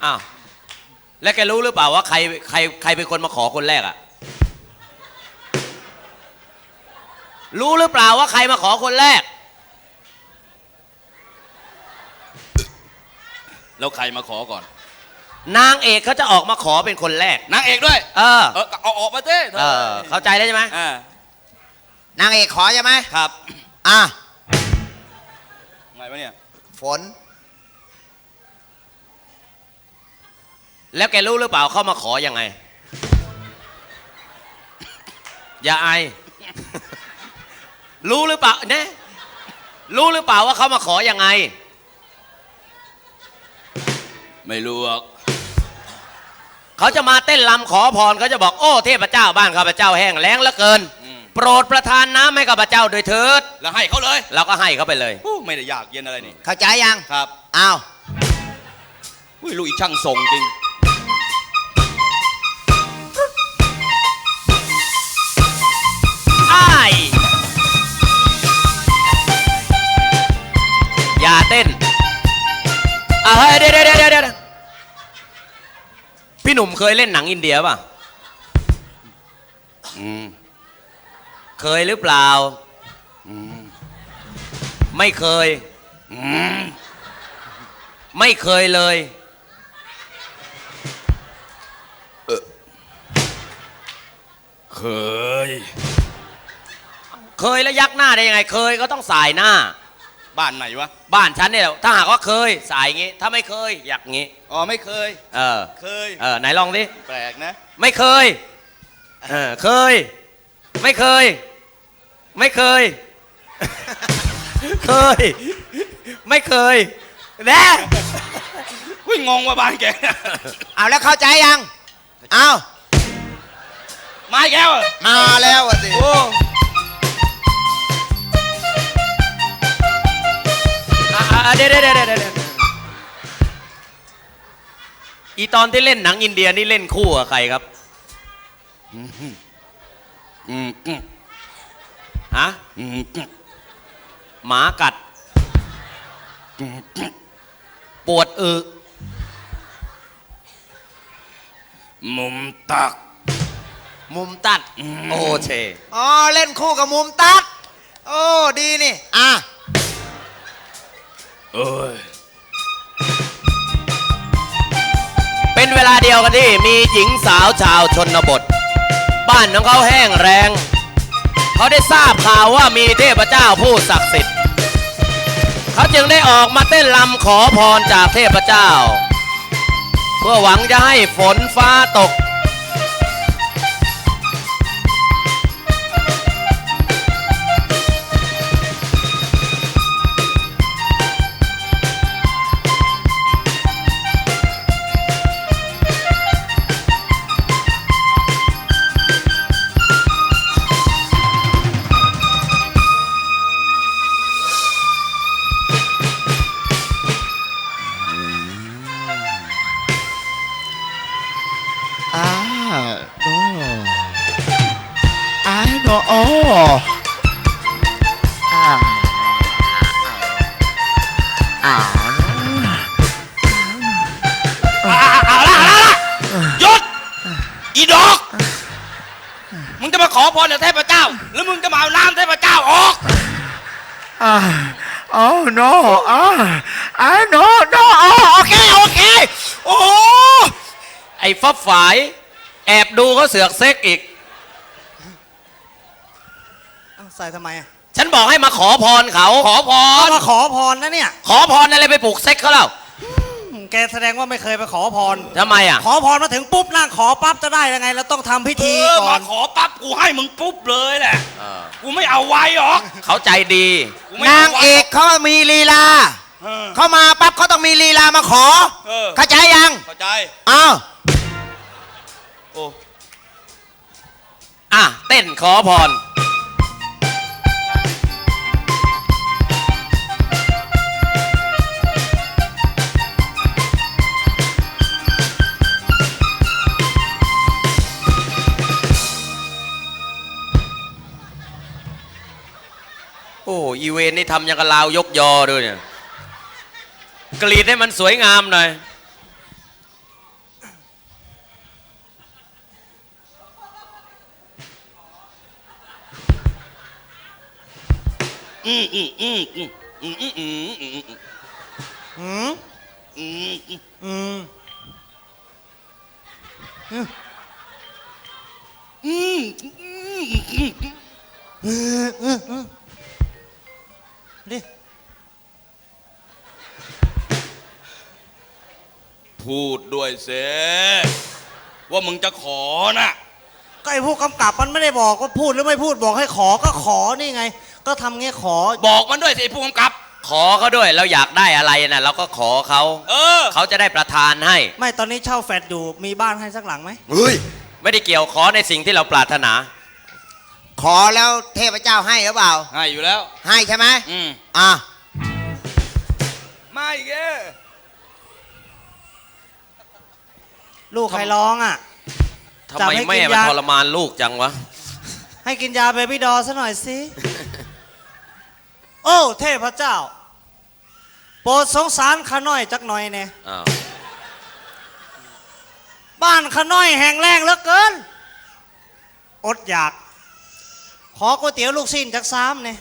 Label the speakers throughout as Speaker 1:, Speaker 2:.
Speaker 1: อ้าวแล้วแกรู้หรือเปล่าว่าใครเป็นคนมาขอคนแรกอะรู้หรือเปล่าว่าใครมาขอคนแรก
Speaker 2: แล้วใครมาขอก่อน
Speaker 1: นางเอกเขาจะออกมาขอเป็นคนแรก
Speaker 2: นางเอกด้วยเอาออกมาเต้
Speaker 1: เข้าใจแล้วใช่ไหม
Speaker 3: นางเอกขอใช่ไหม
Speaker 2: ครับไงวะเนี่ย
Speaker 3: ฝน
Speaker 1: แล้วแกรู้หรือเปล่าเขามาขอยังไงอย่าอายรู้หรือเปล่าเนี่ยรู้หรือเปล่าว่าเขามาขอยังไง
Speaker 2: ไม่รู้หรอก
Speaker 1: เขาจะมาเต้นรำขอพรเขาจะบอกโอ้เทพเจ้าบ้านข้าพเจ้าแห้งแล้งเหลือเกินโปรดประทานน้ำให้ข้าพเจ้าโดยเถิด
Speaker 2: แล้วให้เขาเลย
Speaker 1: เราก็ให้เขาไปเลย
Speaker 2: ไม่ได้ยากเย็นอะไรนี่
Speaker 3: เข้าใจยัง
Speaker 2: ครับ
Speaker 3: อ้าว
Speaker 2: ลูกอีช่างส่งจริง
Speaker 1: อย่าเต้นเฮ้ยเดี๋ยวพี่หนุ่มเคยเล่นหนังอินเดียป่ะเคยหรือเปล่าไม่เคยไม่เคยเลย
Speaker 2: เค
Speaker 1: ยแล้วยักหน้าได้ยังไงเคยก็ต้องสายหน้า
Speaker 2: บ้านไหนวะ
Speaker 1: บ้านฉันเนี่ยถ้าหากว่าเคยสายงี้ถ้าไม่เคยอยากงี้
Speaker 2: ไม่เคยเคย
Speaker 1: ไหนลองดิ
Speaker 2: แปลกนะ
Speaker 1: ไม่เคยเคยไม่เคยไม่เคยเคยไม่เคยแน่
Speaker 2: วิ่งงงว่าบ้านแก
Speaker 3: เอาแล้วเข้าใจยังเอา
Speaker 2: มาแก้ว
Speaker 3: มาแล้วสิ
Speaker 1: เดี๋ยวอีตอนที่เล่นหนังอินเดียนี่เล่นคู่กับใครครับฮะหมากัดปวด
Speaker 2: มุมตัด
Speaker 1: โอเช
Speaker 3: เล่นคู่กับมุมตัดโอ้ดีนี่
Speaker 1: เป็นเวลาเดียวกันที่มีหญิงสาวชาวชนบทบ้านของเขาแห้งแรงเขาได้ทราบข่าวว่ามีเทพเจ้าผู้ศักดิ์สิทธิ์เขาจึงได้ออกมาเต้นรำขอพรจากเทพเจ้าเพื่อหวังจะให้ฝนฟ้าตก
Speaker 2: หยุดอีดอกมึงจะมาขอพรจากเทพเจ้าหรือมึงจะมาเอาน้ำเทพเจ้าออก
Speaker 3: no no โอเคโอ้
Speaker 1: ไอ้ฟับฝายแอบดูเขาเสือกเซ็กอีก
Speaker 3: ใส่ทำไม
Speaker 1: ฉันบอกให้มาขอพรเขาขอพร
Speaker 3: มาขอพรนะเนี่ย
Speaker 1: ขอพรอะไรไปปลุกเซ็กเขาเล่า
Speaker 3: แกแสดงว่าไม่เคยไปขอพร
Speaker 1: ทำไม
Speaker 3: ขอพรมาถึงปุ๊บนั่งขอปั๊บจะได้ยังไงเราต้องทำพิธีก่อน
Speaker 2: มาขอปั๊บกูให้มึงปุ๊บเลยแหละกูไม่เอาไว้หรอก
Speaker 1: เขาใจดี
Speaker 3: นางเอกเขามีลีลาเขามาปั๊บเขาต้องมีลีลามาขอเข้าใจยัง
Speaker 2: เข้าใจ
Speaker 1: เต้นขอพร โอ้อีเวนนี่ทำยังกับลาวยกยอด้วยเนี่ยกรีดให้มันสวยงามหน่อย
Speaker 2: อืมอืมอืมอืมอืมอืมอืมอืม
Speaker 3: อืม
Speaker 2: อืม
Speaker 3: อืม
Speaker 2: อืม
Speaker 3: ดิ
Speaker 2: พูดด้วยเสว่ามึงจะขอน่ะ
Speaker 4: ก็ไอ้ผู้กำกับมันไม่ได้บอกว่าพูดหรือไม่พูดบอกให้ขอก็ขอนี่ไง ก็ทำเงี้ยขอ
Speaker 2: บอกมันด้วยสิไอ้ผู้กำกับ
Speaker 1: ขอเขาด้วยเราอยากได้อะไรนะเราก็ขอเขา
Speaker 2: เออ
Speaker 1: เขาจะได้ประทานให้
Speaker 4: ไม่ตอนนี้เช่าแฟลตอยู่มีบ้านให้สักหลังไหม
Speaker 1: เฮ้ยไม่ได้เกี่ยวขอในสิ่งที่เราปรารถนา
Speaker 3: ขอแล้วเทพเจ้าให้หรือเปล่า
Speaker 2: ให้อยู่แล้ว
Speaker 3: ให้ใช่ไหม
Speaker 2: อืม
Speaker 3: อ่ะ
Speaker 2: ไม่แก
Speaker 4: ลูกใครร้องอ่ะ
Speaker 1: ทำ
Speaker 4: จับ
Speaker 1: ไม
Speaker 4: ให้กิน
Speaker 1: แม่มัน
Speaker 4: ยา
Speaker 1: ทรมานลูกจังวะ
Speaker 4: ให้กินยาเบบี้ดอซะหน่อยสิ โอ้เทพเจ้า โปรดสงสารข้าน้อยจักหน่อยเนี่ย
Speaker 1: อ้าว
Speaker 4: บ้านข้าน้อยแห้งแล้งเหลือเกิน อดอยาก ขอก๋วยเตี๋ยวลูกชิ้นจักซ้ำเนี่ย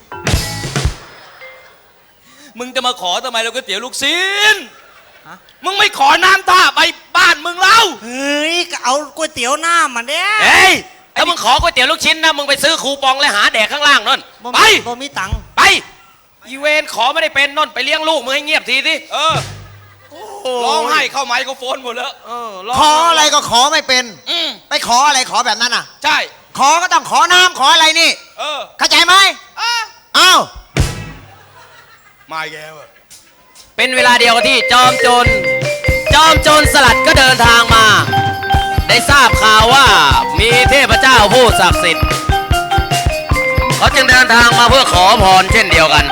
Speaker 2: มึงจะมาขอทำไมเราก๋วยเตี๋ยวลูกชิ้น
Speaker 4: ฮะ
Speaker 2: มึงไม่ขอน้ำท่าไปบ้านมึงเล่า
Speaker 4: เฮ้ยก็เอาก๋วยเตี๋ยวหน้ามันเนี่ย
Speaker 1: เฮ้ยถ้ามึงขอก๋วยเตี๋ยวลูกชิ้นนะมึงไปซื้อคูปองเลยหาแดกข้างล่างนั่น
Speaker 4: บ่
Speaker 1: ไป
Speaker 4: มีบ่มีตังค์
Speaker 1: ไปอีเวนขอไม่ได้เป็นนั่นไปเลี้ยงลูกมึงให้เงียบทีสิ
Speaker 2: เออ ร้องไห้เข้าไมโครโฟนหมดแล้ว
Speaker 3: ขออะไรก็ขอไม่เป็น
Speaker 2: อืม
Speaker 3: ไปขออะไรขอแบบนั้นอ่ะ
Speaker 2: ใช่
Speaker 3: ขอก็ต้องขอน้ำขออะไรนี่
Speaker 2: เออ
Speaker 3: เข้าใจไหม
Speaker 2: อ่ะ
Speaker 3: อ้าว
Speaker 2: มาแกวะ
Speaker 1: เป็นเวลาเดียวกับที่จอมโจรสลัดก็เดินทางมา ได้ทราบข่าวว่ามีเทพเจ้าผู้ศักดิ์สิทธิ์เขาจึงเดินทางมาเพื่อขอพรเช่นเดียวกัน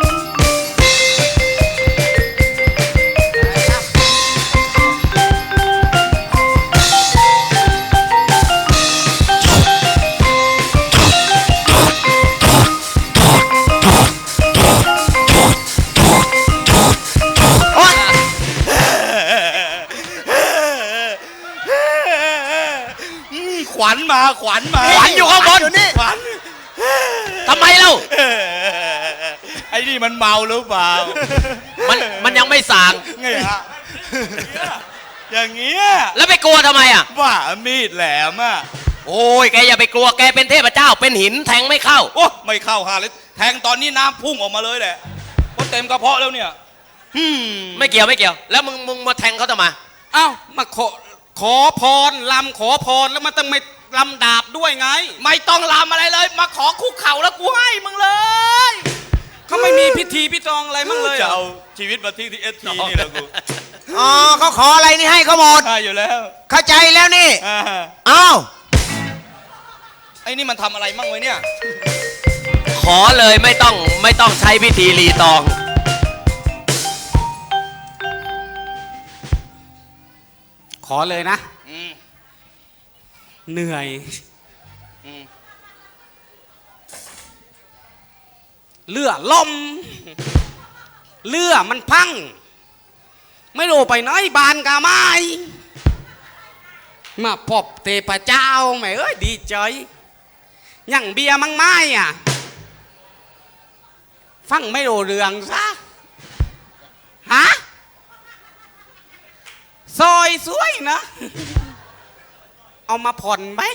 Speaker 3: โอ๊ย
Speaker 2: ขวัญมาขวัญมา
Speaker 1: ขวัญอยู่ข้างบน
Speaker 3: อยู่นี่
Speaker 2: ขวัญ
Speaker 1: ทำไมเล่า
Speaker 2: ไอ้นี่มันเมาหรือเปล่า
Speaker 1: มันยังไม่ส่าง
Speaker 2: ไงฮะอย่างเงี้ย
Speaker 1: แล้วไปกลัวทำไมอ่ะ
Speaker 2: ว่ามีดแหลมอ่ะ
Speaker 1: โอ้ยแกอย่าไปกลัวแกเป็นเทพเจ้าเป็นหินแทงไม่เข้า
Speaker 2: โอ้ไม่เข้าหาเลยแทงตอนนี้น้ำพุ่งออกมาเลยแหละเพราะเต็มกระเพาะแล้วเนี่ย
Speaker 1: ไม่เกี่ยวไม่เกี่ยว แล้วมึงมาแทงเขาทำไม
Speaker 5: เอ้ามาขอพรลำขอพรแล้วมันต้องไม่ลำดาบด้วยไง
Speaker 2: ไม่ต้องลามอะไรเลย มาขอคุกเข่าแล้วกูให้มึงเลย
Speaker 5: เขาไม่มีพิธีพิจองอะไรมั่งเลย
Speaker 2: จะ
Speaker 5: เหรอ
Speaker 2: เอาชีวิตมาทิ้งที่เอสทีนี่แหละกู
Speaker 3: อ๋อเขาขออะไรนี่ให้เขาหมด
Speaker 2: ใช่อยู่แล้ว
Speaker 3: เข้าใจแล้วนี่
Speaker 2: อ่า
Speaker 3: อ้าว
Speaker 2: ไอ้นี่มันทำอะไรมั่งไว้เนี่ย
Speaker 1: ขอเลยไม่ต้องใช้พิธีรีตอง
Speaker 5: ขอเลยนะ
Speaker 2: อืม
Speaker 5: เหนื่อย
Speaker 2: อืม
Speaker 5: เลือลมเลือมันพัง ไม่รู้ไปไหนบานกาไม้มาพบเทพเจ้าแหม่เอ้ยดีใจยังเบียร์มังไม้อ่ะ ฟังไม่รู้เรื่องซะฮะซอยสวยนะ เอามาผ่อนไหม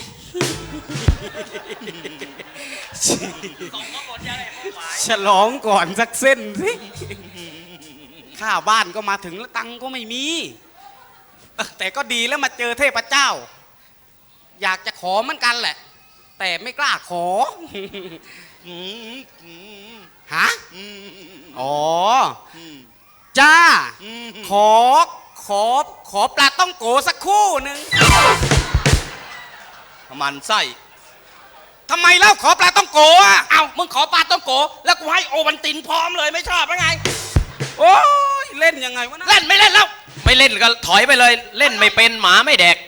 Speaker 5: ฉลองก่อนสักเส้นสิข้าวบ้านก็มาถึงแล้วตังค์ก็ไม่มีแต่ก็ดีแล้วมาเจอเทพเจ้า อยากจะขอเหมือนกันแหละ แต่ไม่กล้าขอ
Speaker 2: อืมอืม
Speaker 5: ฮะ
Speaker 2: อืม
Speaker 5: อ๋อ จ้า
Speaker 2: อืม
Speaker 5: ขอปลาต้องโกสักคู่หนึ่ง
Speaker 2: มันไส้
Speaker 5: ทำไมเล่าขอปลาต้องโกอ่ะ
Speaker 2: เอ้ามึงขอปลาต้องโก แล้วกูให้โอวันตินพร้อมเลยไม่ชอบหรือไง
Speaker 5: โอ้ยเล่นยังไงวะนะ
Speaker 2: เล่นไม่เล่นแล้ว
Speaker 1: ไม่เล่นก็ถอยไปเลย เล่นไม่เป็นหมาไม่แดก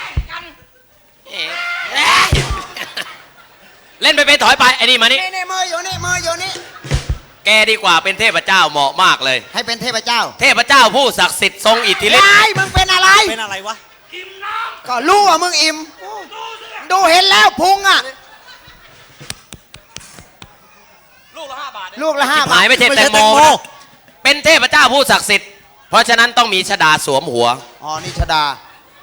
Speaker 1: เล่นไปเป็นถอยไปไอ้นี่มานี่
Speaker 3: นี่มืออยู่นี่มืออยู่นี่
Speaker 1: แกดีกว่าเป็นเทพเจ้าเหมาะมากเลย
Speaker 3: ให้เป็นเทพเจ้า
Speaker 1: เทพเจ้าผู้ศักดิ์สิทธิ์ทรงอิทธิฤทธิ์
Speaker 3: ยายมึงเป็นอะไร
Speaker 4: เป็นอะไรวะ
Speaker 3: ก็รู้ว่ามึงอิ่ม ดูเห็นแล้วพุงอ่ะ
Speaker 2: ลูกละ5 บาท
Speaker 3: ลูกละ5
Speaker 1: ชิบ
Speaker 3: บา
Speaker 1: หา
Speaker 3: ท
Speaker 1: ยไม่ใช่แตงโมนะเป็นเทพเจ้าผู้ศักดิ์สิทธิ์เพราะฉะนั้นต้องมีชดาสวมหัว
Speaker 3: อ๋อนี่ชดา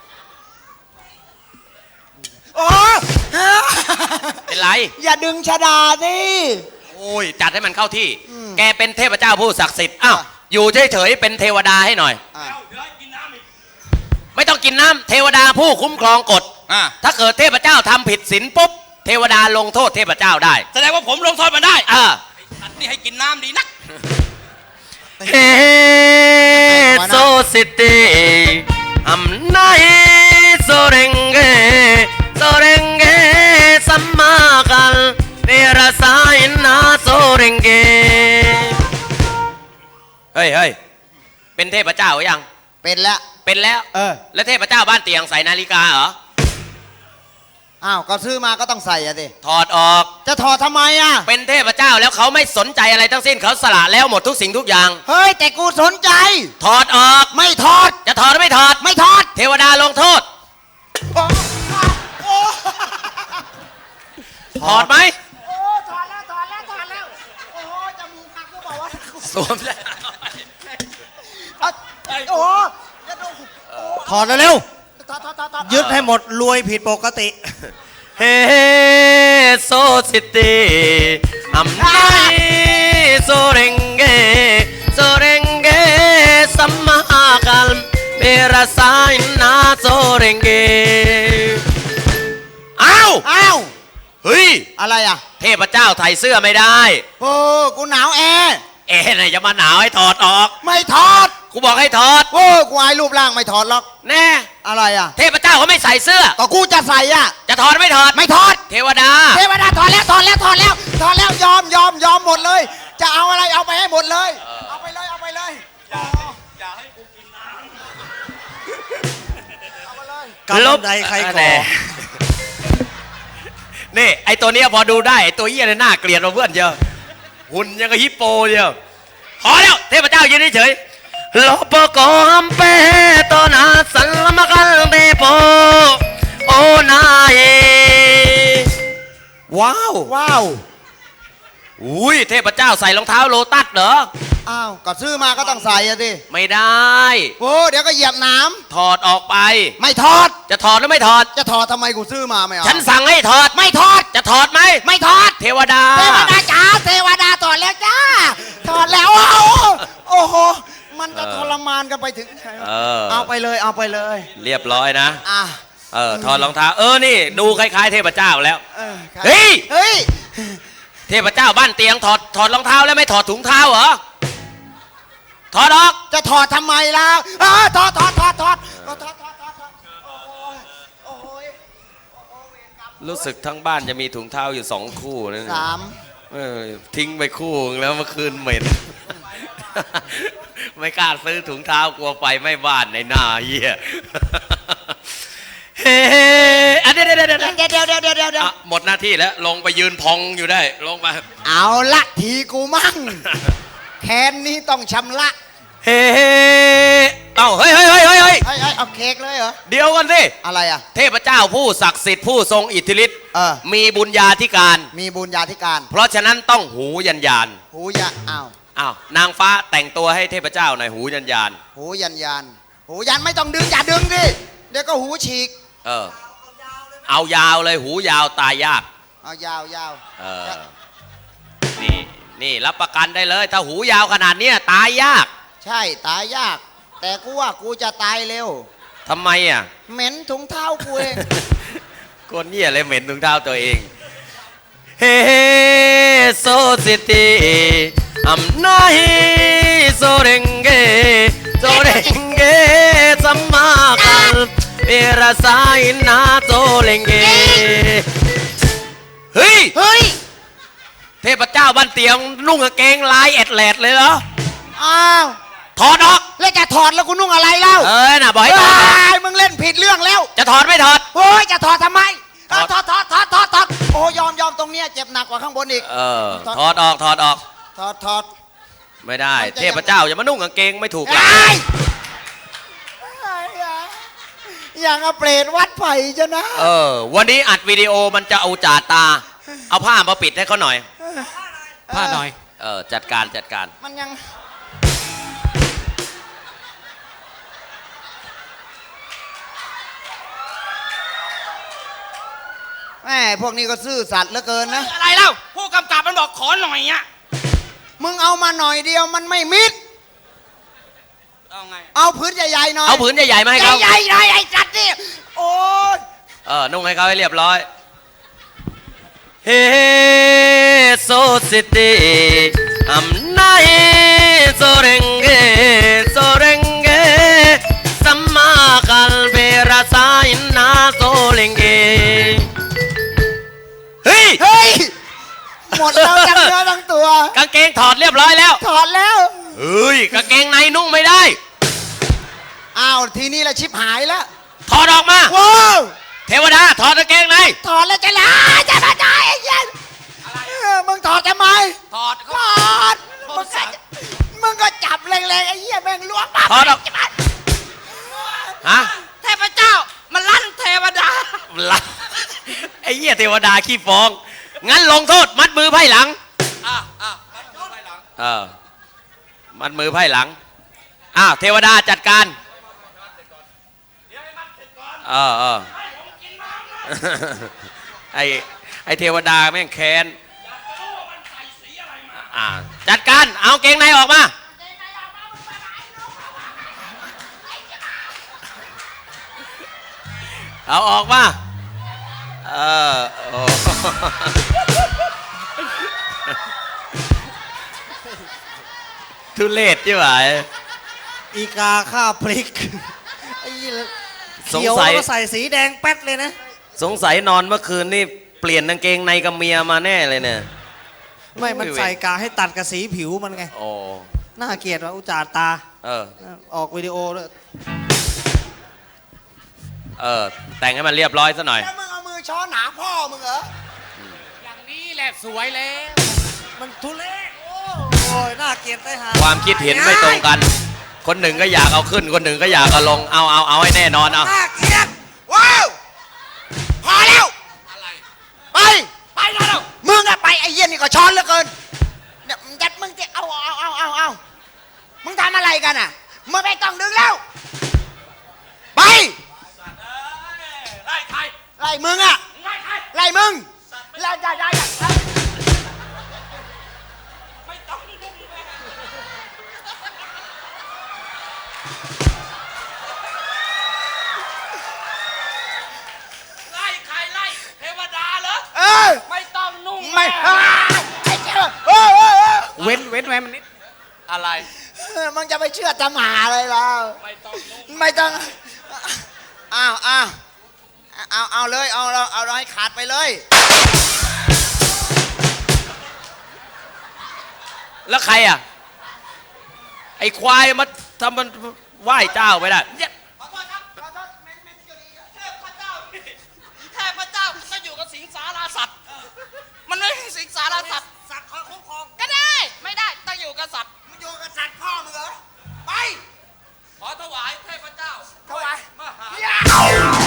Speaker 3: โอ้
Speaker 1: เป็นไร
Speaker 3: อย่าดึงชดาสิ
Speaker 1: โอ้ยจัดให้มันเข้าที่ แกเป็นเทพเจ้าผู้ศักดิ์สิทธิ์อ้าวอยู่เฉยๆเป็นเทวดาให้หน่อย
Speaker 3: อ่ะ
Speaker 1: ไม่ต้องกินน้ำเทวดาผู้คุ้มครองกฎ
Speaker 2: อ่ะ
Speaker 1: ถ้าเกิดเทพเจ้าทำผิดศีลปุ๊บเทวดาลงโทษเทพเจ้าได้
Speaker 2: แสดงว่าผมลงโทษมันได้
Speaker 1: เออ
Speaker 2: อันนี้ให้กินน้ำดีนัก
Speaker 1: เฮโซซิตี้อัมนายโซเรงเกสัมมากัลเนรสายนาโซเรงเกเฮ้ยเป็นเทพเจ้าหรือยัง
Speaker 3: เป็นแล้ว
Speaker 1: เป็นแล้ว แล้วเทพเจ้าบ้านเตียงใส่นาฬิกาเหรอ
Speaker 3: อ้าวก็ซื้อมาก็ต้องใส่อะสิ
Speaker 1: ถอดออก
Speaker 3: จะถอดทำไมอะ
Speaker 1: เป็นเทพเจ้าแล้วเขาไม่สนใจอะไรทั้งสิ้นเขาสละแล้วหมดทุกสิ่งทุกอย่าง
Speaker 3: เฮ้ยแต่กูสนใจ
Speaker 1: ถอดออก
Speaker 3: ไม่ถอด
Speaker 1: จะถอดหรือไม่ถอด
Speaker 3: ไม่ถอด
Speaker 1: เทวดาลงโทษ ถอดไหม
Speaker 3: โอ้ถอดแล้วโอ้โหจมูกหักก็บอกว่า
Speaker 1: สวมแล้ว
Speaker 3: โอ้โห
Speaker 4: ถอดเร็ว
Speaker 3: ถอด
Speaker 4: ๆยึดให้หมดรวยผิดปกติ
Speaker 1: เฮโซซิตี้อัมไนโซเรงเกสัมมากัลเมรสายนาโซเรงเกอ้าว
Speaker 3: อ้าว
Speaker 1: เฮ้ย
Speaker 3: อะไรอะ
Speaker 1: เทพเจ้าไทยเสื้อไม่ได้
Speaker 3: โอ้กูหนาวแอร์
Speaker 1: ไหนจะมาหนาวให้ถอดออก
Speaker 3: ไม่ถอด
Speaker 1: กูบอกให้ถอด
Speaker 3: โอ้กูอายรูปร่างไม่ถอดหรอก
Speaker 1: แน่
Speaker 3: อะไรอะ
Speaker 1: เทพเจ้าเขาไม่ใส่เสื้อ
Speaker 3: ก็กูจะใส่อะ
Speaker 1: จะถอดไม่ถอด
Speaker 3: ไม่ถอด
Speaker 1: เทวดา
Speaker 3: เทวดาถอดแล้วยอมหมดเลย จะเอาอะไรเอาไปให้หมดเลย เอาไปเลย
Speaker 4: กำลังใดใครก่อ
Speaker 1: แน่นี่ไอตัวเนี้ยพอดูได้ไอตัวเหี้ยเนี่ยน่าเกลียดเราเพื่อนเยอะหุ่นยังกับฮิปโปเดียวพอแล้วเทพเจ้ายืนเฉยๆโลปโกอัมเปโตนาสัลมกัลเตโปโอนายว้าว
Speaker 3: ว้าว
Speaker 1: อุ้ยเทพเจ้าใส่รองเท้าโลตัสเหรอ
Speaker 3: อ้าวก็ซื้อมาก็ต้องใส่อะสิ
Speaker 1: ไม่ได้
Speaker 3: โอ้เดี๋ยวก็เหยียบน้
Speaker 1: ถอดออกไป
Speaker 3: ำไม่ถอด
Speaker 1: จะถอดหรือไม่ถอด
Speaker 3: จะถอดทำไมกูซื้อมาไม่เอา
Speaker 1: ฉันสั่งให้ถอด
Speaker 3: ไม่ถอด
Speaker 1: จะถอดไหม
Speaker 3: ไม่ถอด
Speaker 1: เทวดา
Speaker 3: เทวดาจ๋าเทวดาถอดแล้วจ้าถอดแล้วโอ้โหมันจะทรมานกันไปถึงไหนวะ เอาไปเลย
Speaker 1: เรียบร้อยนะ
Speaker 3: อ่ะ
Speaker 1: ถอดรองเท้านี่ดูคล้ายๆเทพเจ้าแล้ว
Speaker 3: ครับ
Speaker 1: เฮ้ย
Speaker 3: เฮ้ย
Speaker 1: เทพเจ้าบ้านเตียงถอดรองเท้าแล้วไม่ถอดถุงเท้าเหรอ ถอดออก
Speaker 3: จะถอดทำไมล่ะถอดโอ้ย
Speaker 1: รู้สึกทั้งบ้านจะมีถุงเท้าอยู่2 คู่นะ
Speaker 3: 3
Speaker 1: ทิ้งไปคู่นึงแล้วเมื่อคืนเหม็น ไม่กล้าซื้อถุงเท้ากลัวไฟไหม้บ้านในหน้าเหี้ย เฮ้เดี๋ยว
Speaker 3: เดี๋ยว
Speaker 1: หมดหน้าที่แล้วลงไปยืนพองอยู่ได้ลงไป
Speaker 3: เอาละทีกูมั่งแคนนี้ต้องชำระ
Speaker 1: เฮ้เฮ้ย
Speaker 3: เอาเค้กเลยเหรอ
Speaker 1: เดี๋ยวกันสิ
Speaker 3: อะไรอ่ะ
Speaker 1: เทพเจ้าผู้ศักดิ์สิทธิ์ผู้ทรงอิทธิฤทธิ์ มีบุญญาธิการ
Speaker 3: มีบุญญาธิการ
Speaker 1: เพราะฉะนั้นต้องหูยันยาน
Speaker 3: หูยะอ้าวน
Speaker 1: างฟ้าแต่งตัวให้เทพเจ้าหน่อยหูยันยาน
Speaker 3: หูยันหูยันไม่ต้องดึงอย่าดึงดิเดี๋ยวก็หูฉีก
Speaker 1: เอายาวเลยหูยาวตายยาก
Speaker 3: เอายาว
Speaker 1: นี่รับประกันได้เลย ถ้าหูยาวขนาดเนี้ยตายยาก
Speaker 3: ใช่ตายยาก แต่กูว่ากูจะตายเร็ว
Speaker 1: ทำไมอ่ะ
Speaker 3: เหม็นถุงเท้ากูเอง
Speaker 1: คนเหี้ยเลยเหม็นถุงเท้าตัวเอง เฮ้โซซิตี้อัมนายโซเรงเกสัมมากัลเอราสายนาโซเรงเกเฮ้ย เทพเจ้าบ้านเตียงนุ่งกางเกงลายแอดแลดเลยเหรอ
Speaker 3: อ้าว
Speaker 1: ถอดออก
Speaker 3: แล้วจะถอดแล้วกูนุ่งอะไรเล่า
Speaker 1: น่ะบอกให้ถอด
Speaker 3: มึงเล่นผิดเรื่องแล้ว
Speaker 1: จะถอดไม่ถอด
Speaker 3: โอ้ยจะถอดทำไม
Speaker 1: ถอด
Speaker 3: ถอดโอ้ยอมตรงเนี้ยเจ็บหนักกว่าข้างบนอีก
Speaker 1: ถอดออก
Speaker 3: ถอด
Speaker 1: ไม่ได้
Speaker 3: มันจะ
Speaker 1: เทพเจ้าอย่ามานุ่งกางเกงไม่ถูกหลัก
Speaker 3: ไอ้อย่างเอาเปรตวัดไผ่จะนะ
Speaker 1: วันนี้อัดวิดีโอมันจะเอาจ่าตา เอาผ้ามาปิดให้เขาหน่อย
Speaker 5: ผ้าหน่อย
Speaker 1: จัดการจัดการ
Speaker 3: มันยังแม่พวกนี้ก็ซื่อสัตย์เหลือเกินนะ
Speaker 2: อะไรเล่าผู้กำกับมันบอกขอหน่อยอ่ะ
Speaker 3: มึงเอามาหน่อยเดียวมันไม่มิด
Speaker 2: เอาไง
Speaker 3: เอาพื้นใหญ่ๆหน่อย
Speaker 1: เอาผืนใหญ่ๆมาให้เขา
Speaker 3: ใหญ่ๆหน่อยไอ้สัตว์นี่โอ้ย
Speaker 1: นุ่งให้เขาให้เรียบร้อยเฮโซซิตี้อัมนาเฮโซเรงเกโซเรงเกสัมมาคัลเบราซาอินนาโซเรงเกเฮ้ย
Speaker 3: เฮ้ยหมดแล้วทั้งเนื้อทั้งตัว
Speaker 1: กางเกงถอดเรียบร้อยแล้ว
Speaker 3: ถอดแล้ว
Speaker 1: เฮ้ยกางเกงในนุ่งไม่ได้
Speaker 3: อ้าวทีนี้ละชิบหายแล้ว
Speaker 1: ถอดออกมา
Speaker 3: ว้าว
Speaker 1: เทวดาถอดกางเกงใน
Speaker 3: ถอดแล้วจะลาจะมาได้ไอ้เหี้ยันมึงถอดทำไม
Speaker 2: ถอด
Speaker 3: ถอดมึงก็จับแรงๆไอ้เหี้ยแม่งล้วงมา
Speaker 1: ถอดออกฮะ
Speaker 2: เทพเจ้ามันลั่นเทวดา
Speaker 1: ละไอ้เหี้ยเทวดาขี้ฟ้อง งั้นลงโทษมัดมือไพ่หลัง มัดมือไพ่หลัง เทวดาจัดการ ไอ้เทวดาแม่งแค้นจัดการ เอาเกงในออกมา เอาออกมาโอ้ ทุเรศใช่ไหม
Speaker 4: อีกาข้าพริกไอ้เหี้ย
Speaker 1: สง
Speaker 4: เขียว
Speaker 1: สัย
Speaker 4: แล้วก็ใส่สีแดงแป๊ดเลยนะ
Speaker 1: สงสัยนอนเมื่อคืนนี่เปลี่ยนกางเกงในกับเมียมาแน่เลยเนี่ย
Speaker 4: ไม่มันใส่กาให้ตัดกับสีผิวมันไง
Speaker 1: โอ้
Speaker 4: น่าเกลียดว่าอุจจาตา ออกวิดีโอด้วย
Speaker 1: แต่งให้มันเรียบร้อยซะหน่อย
Speaker 3: แล้วมึงเอามือช้อนหนาพ่อมึงเหรอ
Speaker 2: อย่างนี้แหละสวยแล้ว
Speaker 4: มันทุเรศโอ้ยน่าเกลียดได้หา
Speaker 1: ความคิดเห็นไม่ตรงกัน คนหนึ่งก็อยากเอาขึ้น คนหนึ่งก็อยากเอาลง เอาให้แน่นอนเอา
Speaker 3: น่าเกลียดว้าวพอแล้ว
Speaker 2: อะไร
Speaker 3: ไปแล้วมึงอะไปไอ้เหี้ยนี่ก็ช้อนเหลือเกินเนี่ยยัดมึงจะเอามึงทำอะไรกันอะมึงไม่ต้องดึงแล้ว ไป
Speaker 2: ไล่ใคร
Speaker 3: ไล่มึงอะ
Speaker 2: ไล่ใคร
Speaker 3: ไล่มึงไล่ได้
Speaker 2: ไม่ต้องยุ่งไล่ใครไล่เทวดาเหรอ
Speaker 3: เออ
Speaker 2: ไม่ต้องนุ่ง
Speaker 3: ไม่
Speaker 2: แม่
Speaker 3: ไอ้เจ้า
Speaker 5: เว้นไว้มันนิด
Speaker 2: อะไร
Speaker 3: มึงจะไปเชื่อตำหาอะไรล่ะ
Speaker 2: ไม่ต้องนุ่ง
Speaker 3: ไม่ต้องเอาเลยเอาเราให้ขาดไปเลย
Speaker 1: แล้วใครอ่ะ ไอ้ควายมาทำมันไหว้เจ้าไปได้
Speaker 2: ขอโทษครับขอโทษเทพเจ้าก็อยู่กับสิงสาราสัตว์ มันไม่ใช่สิงสาราสัตว์
Speaker 3: สัตว์คอยคุ้มครอง
Speaker 2: ก็ได้ ไม่ได้ ต้องอยู่กับสัตว์
Speaker 3: มึงอยู่กับสัตว์พ่อมึงเหรอไป
Speaker 2: ขอถวายเทพเจ้า
Speaker 3: ถวาย
Speaker 2: มหา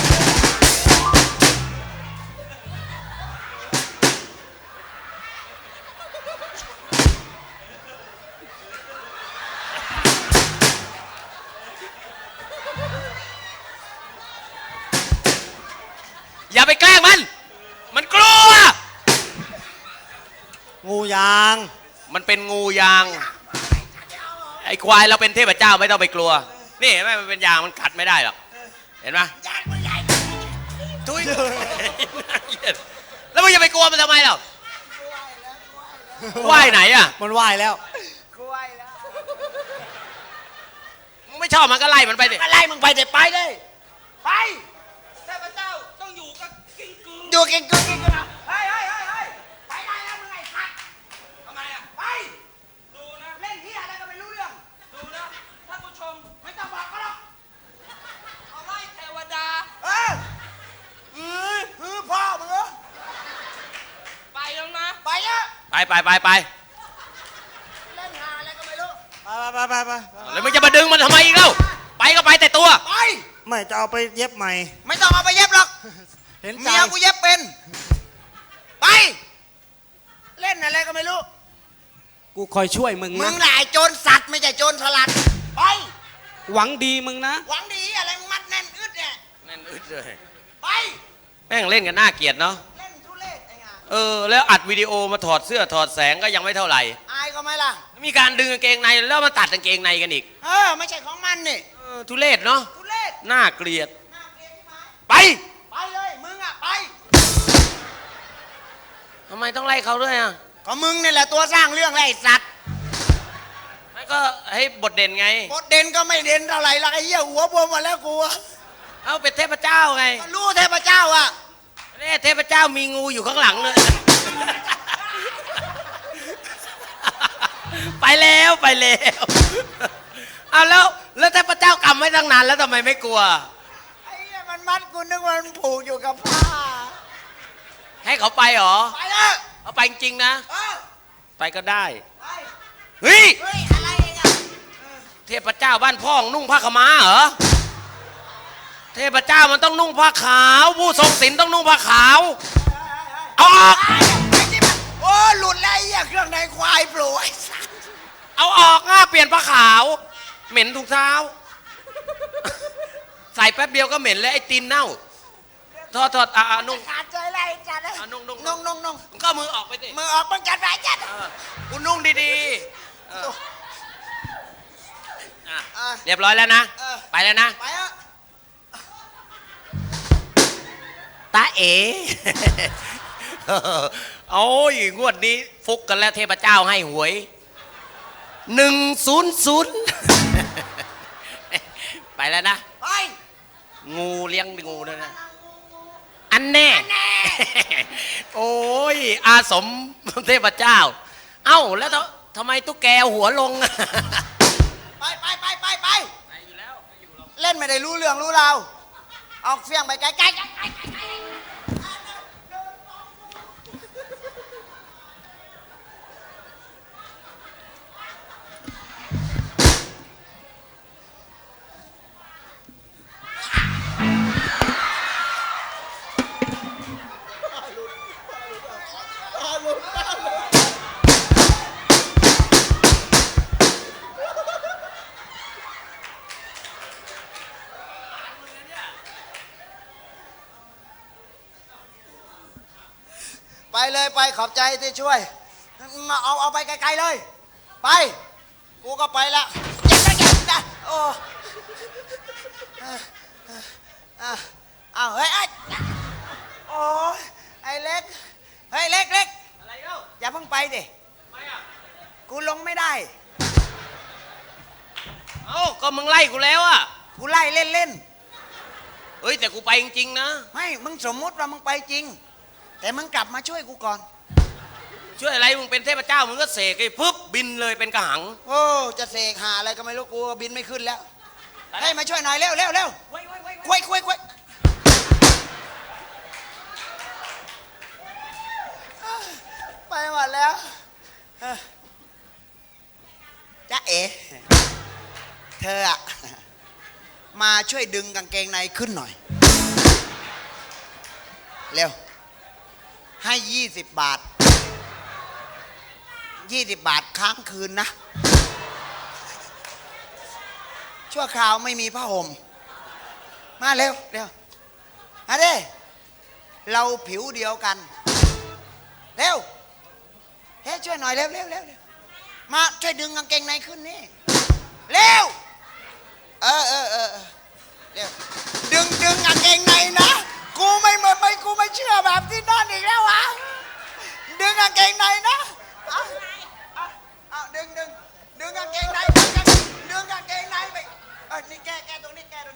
Speaker 1: อย่าไปแกล้งมัน มันกลัว
Speaker 4: งูยาง
Speaker 1: มันเป็นงูยาง ไอ้ควายเราเป็นเทพเจ้าไม่ต้องไปกลัว นี่เห็นไหมมันเป็นยางมันกัดไม่ได้หรอก เห็นไหมทุยแล้วมึงจะไปกลัวมันทำไมหรอว่ายไหนอ่ะ
Speaker 4: มันว่ายแล้ว
Speaker 1: มึงไม่ชอบมันก็ไล่มันไปดิ
Speaker 3: อะไรมึงไปเด็ดไปเลยไป
Speaker 2: เทพเจ้าต้องอยู่กับกิ้งกือ
Speaker 3: อยู่กินนะเฮ้ยไปได้แล้วมึงไอ้สัตว์
Speaker 2: ทำไมอ่ะ
Speaker 3: ไป
Speaker 2: ดูนะ
Speaker 3: เล่นที่อะไรก็ไม่รู้เรื่อง
Speaker 2: ดูนะท่านผู้ชม
Speaker 3: ไม่ต้องบอกก็หรอก
Speaker 2: เอาไล่เทวดา
Speaker 3: พ่อมึงเหรอ
Speaker 2: ไปแล้วนะ
Speaker 3: ไปอะ
Speaker 1: ไป
Speaker 3: เล่นหาอะไรก็ไม่รู้
Speaker 4: ไป
Speaker 1: แล้วมึงจะมาดึงมันทำไมอีกเล่าไปก็ไปแต่ตัว
Speaker 3: ไป
Speaker 4: ไม่จะเอาไปเย็บใหม่
Speaker 3: ไม่ต้องเอาไปเย็บหรอก
Speaker 4: เห็นใจ
Speaker 3: เมียกูเย็บเป็น ไป เล่นอะไรก็ไม่รู้
Speaker 5: กูคอยช่วยมึง
Speaker 3: มึ
Speaker 5: นะ
Speaker 3: งน่ะไอ้โจรสัตว์ไม่ใช่โจรสลัดไป
Speaker 5: หวังดีมึงนะ
Speaker 3: หวังดีอะไรมึงมัดแน่นอึดเนี่ย
Speaker 1: แน่นอึดเลย
Speaker 3: ไป
Speaker 1: แม่งเล่นกันน่าเกลียดเนาะ
Speaker 3: เล่นทุเรศไอ้งา
Speaker 1: แล้วอัดวิดีโอมาถอดเสื้อถอดแสงก็ยังไม่เท่าไหร่
Speaker 3: อายก็ไหมล่ะ
Speaker 1: มีการดึงกางเกงในแล้วมาตัดกางเกงในกันอีก
Speaker 3: ไม่ใช่ของมันนี่
Speaker 1: ทุเรศเนาะ
Speaker 3: ทุเรศ
Speaker 1: น่าเกลียด
Speaker 3: น่าเกลียดใช่ไหม
Speaker 1: ไป
Speaker 3: ไปเลยมึงอ่ะไป
Speaker 1: ทำไมต้องไล่เขาด้วยอ่ะ
Speaker 3: ก็มึงนี่แหละตัวสร้างเรื่องไอ้สัตว์
Speaker 1: ไม่ก็ให้บทเด่นไง
Speaker 3: บทเด่นก็ไม่เด่นเท่าไหร่หรอกไอ้เหี้ยหัวบวมหมดแล้วกูอะ
Speaker 1: เอาเป็นเทพเจ้าไง
Speaker 3: ก็รู้เทพเจ้าอ่ะ
Speaker 1: เนี่ยเทพเจ้ามีงูอยู่ข้างหลังเลย ไปแล้วไปแล้วเอาแล้วเทพเจ้ากำไว้ตั้งนานแล้วทำไมไม่กลัว
Speaker 3: ไอ้เหี้ยมันมัดกูนึกว่ามันผูกอยู่กับผ้า
Speaker 1: ให้เขาไปเหรอ
Speaker 3: ไปเลย
Speaker 1: เอาไปจริงๆนะ
Speaker 3: เออ
Speaker 1: ไปก็ได้
Speaker 3: ไป
Speaker 1: เฮ้ย
Speaker 3: เฮ้ยอะไรเองอ่ะ
Speaker 1: เทพเจ้าบ้านพ่องนุ่งผ้าขาวม้าเหรอ เทพเจ้ามันต้องนุ่งผ้าขาว ผู้ทรงศีลต้องนุ่งผ้าขาว เอาออก
Speaker 3: ไอ้ที่มันโอ้หลุดแล้วไอ้เหี้ยเครื่องในควายโปรไอ้สัตว์
Speaker 1: เอาออกเปลี่ยนผ้าขาว เหม็นถุงเท้า ใส่แป๊บเดียวก็เหม็นแล้วไอ้ตีนเน่าถอดนุ่ง
Speaker 3: ขาดใจเลยไอ้จัดเลย
Speaker 1: นุ่ง
Speaker 3: นุ่ง
Speaker 1: มึงก็มือออกไปสิ
Speaker 3: มือออกมึงจัดไปจัด
Speaker 1: กูนุ่งดีๆอ่ะ
Speaker 3: อ่ะ
Speaker 1: เรียบร้อยแล้วนะ
Speaker 3: เออ
Speaker 1: ไปแล้วนะ
Speaker 3: ไปเถอะ
Speaker 1: ตาเอ๋ โอ้ยงวดนี้ฟุกกันแล้วเทพเจ้าให้หวย100 ไปแล้วนะ
Speaker 3: ไป
Speaker 1: งูเลี้ยงงูด้วยนะ อันแน่ โอ้ยอาสมเทพเจ้า เอ้าแล้วทำไมตุ๊กแกหัวลง
Speaker 3: ไปเล่นไม่ได้รู้เรื่องรู้ราวเอาเฟี้ยงไปไกลๆไปเลยไปขอบใจที่ช่วยมาเอาไปไกลๆเลย ไป กูก็ไปละเจ็บนะโอ้เอาเฮ้ยโอ้ยไอ้เล็กเฮ้ยเล็ก
Speaker 1: อะไรเล่า
Speaker 3: อย่าเพิ่งไปดิ
Speaker 1: ทำไมอ่ะ
Speaker 3: กูลงไม่ได้
Speaker 1: เอ้าก็มึงไล่กูแล้วอ่ะ
Speaker 3: กูไล่เล่น
Speaker 1: เฮ้ยแต่กูไปจริงๆนะ
Speaker 3: ๆไม่มึงสมมุติว่ามึงไปจริง แต่มึงกลับมาช่วยกูก่อน
Speaker 1: ช่วยอะไรมึงเป็นเทพเจ้ามึงก็เสกไอ้ปุ๊บบินเลยเป็นกระหัง
Speaker 3: โอ้จะเสกหาอะไรก็ไม่รู้กูบินไม่ขึ้นแล้วให้มาช่วยหน่อยเร็วควยไปหมดแล้วจ๊ะเอ๋เธออะมาช่วยดึงกางเกงในขึ้นหน่อยเร็วให้20 บาท20 บาทค้างคืนนะชั่วคราวไม่มีผ้าห่มมาเร็วมาดิเราผิวเดียวกันเร็วเฮ้ยช่วยหน่อยเร็วมาช่วยดึงกางเกงในขึ้นนี่เร็วเร็วดึงกางเกงในนะกูไม่เชื่อแบบที่นั่นอีกแล้ววะดึงกางเกงในนะเอาดึงกางเกงในดึงกางเกงในไปนี่แก้ตรงนี้แก้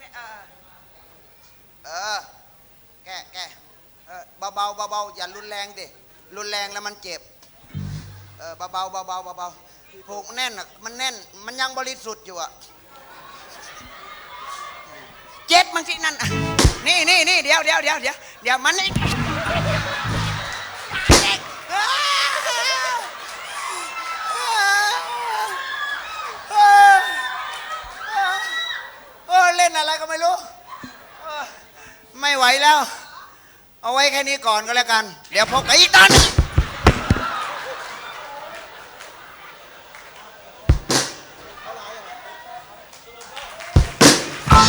Speaker 3: เบาอย่ารุนแรงดิรุนแรงแล้วมันเจ็บเบาผูกแน่นอ่ะมันแน่นมันยังบริสุทธิ์อยู่อ่ะเจ็บมันสินั่นนี่เดี๋ยวมันนี่เล่นอะไรก็ไม่รู้ไม่ไหวแล้วเอาไว้แค่นี้ก่อนก็แล้วกันเดี๋ยวพบกันอีกตอนนึง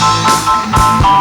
Speaker 3: เ